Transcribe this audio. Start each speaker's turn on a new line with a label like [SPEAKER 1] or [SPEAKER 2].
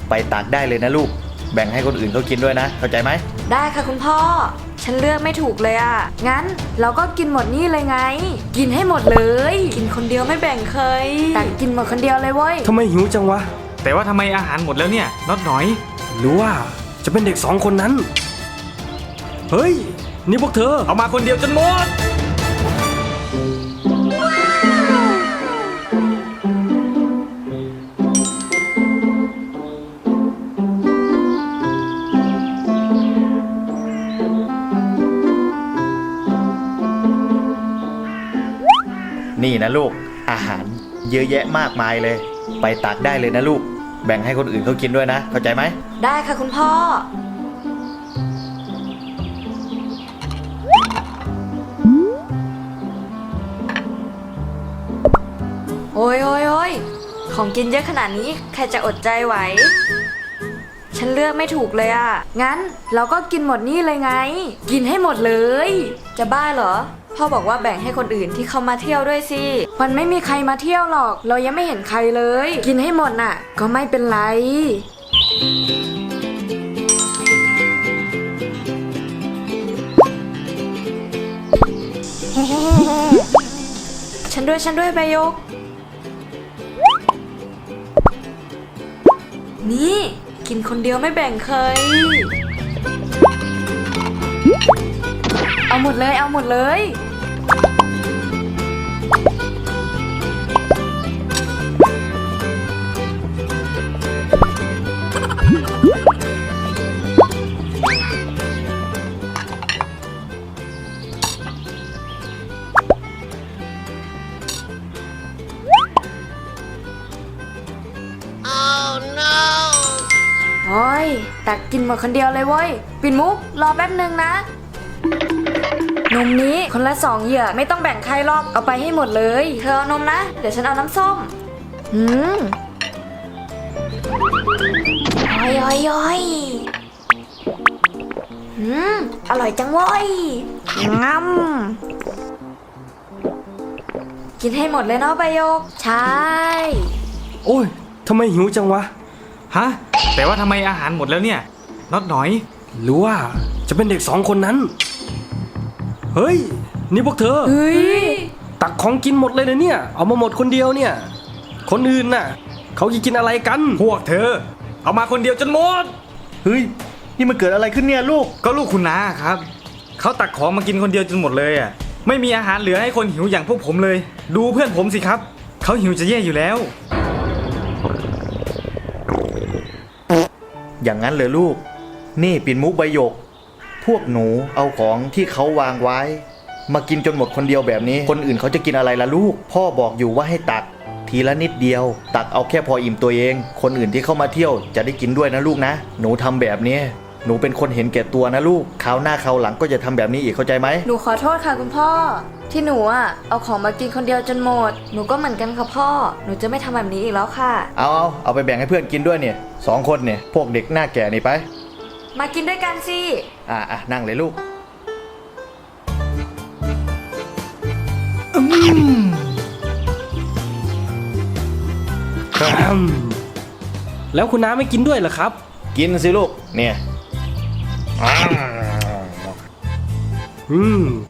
[SPEAKER 1] ไปตักได้เลยนะลูกแบ่งให้คนอื่นเขากินด้วยนะเข้าใจไหม
[SPEAKER 2] ได้ค่ะคุณพ่อฉันเลือกไม่ถูกเลยอ่ะงั้นเราก็กินหมดนี่เลยไงกินให้หมดเลยกินคนเดียวไม่แบ่งเคยตักกินหมดคนเดียวเลยเว้ย
[SPEAKER 3] ทำไมหิวจังวะ
[SPEAKER 4] แต่ว่าทำไมอาหารหมดแล้วเนี่ยน็อตหน่อย
[SPEAKER 3] หรือว่าจะเป็นเด็กสองคนนั้นเฮ้ยนี่พวกเธอ
[SPEAKER 4] เอามาคนเดียวจนหมด
[SPEAKER 1] นี่นะลูกอาหารเยอะแยะมากมายเลยไปตักได้เลยนะลูกแบ่งให้คนอื่นเขากินด้วยนะเข้าใจไหม
[SPEAKER 2] ได้ค่ะคุณพ่อโอ้ยของกินเยอะขนาดนี้ใครจะอดใจไหวฉันเลือกไม่ถูกเลยอ่ะงั้นเราก็กินหมดนี่เลยไงกินให้หมดเลยจะบ้าเหรอพ่อบอกว่าแบ่งให้คนอื่นที่เขามาเที่ยวด้วยสิมันไม่มีใครมาเที่ยวหรอกเรายังไม่เห็นใครเลยกินให้หมดน่ะก็ไม่เป็นไรฉันด้วยใบยกนี่กินคนเดียวไม่แบ่งเคยเอาหมดเลยโอ้ยตักกินหมดคนเดียวเลยเว้ยปิ่นมุกรอแป๊บนึงนะนมนี้คนละ2เหยือกไม่ต้องแบ่งใครหรอกเอาไปให้หมดเลยเธอเอานมนะเดี๋ยวฉันเอาน้ำส้มย้อยอร่อยจังเว้ยงั้มกินให้หมดเลยเนาะใบโยกใช่
[SPEAKER 3] โอ้ยทำไมหิวจังวะ
[SPEAKER 4] ฮะแต่ว่าทำไมอาหารหมดแล้วเนี่ยน็อตหน่อย
[SPEAKER 3] หรือว่าจะเป็นเด็กสองคนนั้นเฮ้ยนี่พวกเธอ
[SPEAKER 2] เฮ้ย
[SPEAKER 3] ตักของกินหมดเลยนะเนี่ยเอามาหมดคนเดียวเนี่ยคนอื่นน่ะเขาจะกินอะไรกัน
[SPEAKER 4] พวกเธอเอามาคนเดียวจนหมด
[SPEAKER 1] เฮ้ยนี่มันเกิดอะไรขึ้นเนี่ยลูก
[SPEAKER 4] ก็ลูกคุณน้าครับเขาตักของมากินคนเดียวจนหมดเลยอ่ะไม่มีอาหารเหลือให้คนหิวอย่างพวกผมเลยดูเพื่อนผมสิครับเขาหิวจะแย่อยู่แล้ว
[SPEAKER 1] อย่างนั้นเลยลูกนี่ปิ่นมุกใบหยกพวกหนูเอาของที่เขาวางไว้มากินจนหมดคนเดียวแบบนี้คนอื่นเขาจะกินอะไรล่ะลูกพ่อบอกอยู่ว่าให้ตักทีละนิดเดียวตักเอาแค่พออิ่มตัวเองคนอื่นที่เข้ามาเที่ยวจะได้กินด้วยนะลูกนะหนูทำแบบนี้หนูเป็นคนเห็นแก่ตัวนะลูกคราวหน้าคราวหลังก็จะทำแบบนี้อีกเข้าใจไหม
[SPEAKER 2] หนูขอโทษค่ะคุณพ่อที่หนูเอาของมากินคนเดียวจนหมดหนูก็เหมือนกันค่ะพ่อหนูจะไม่ทำแบบนี้อีกแล้วค่ะ
[SPEAKER 1] เอาไปแบ่งให้เพื่อนกินด้วยเนี่ย2 คนเนี่ยพวกเด็กหน้าแก่นี่ไป
[SPEAKER 2] มากินด้วยกันสิ
[SPEAKER 1] นั่งเลยลูก
[SPEAKER 3] แล้วคุณน้าไม่กินด้วยเหรอครับ
[SPEAKER 1] กินสิลูกเนี่ย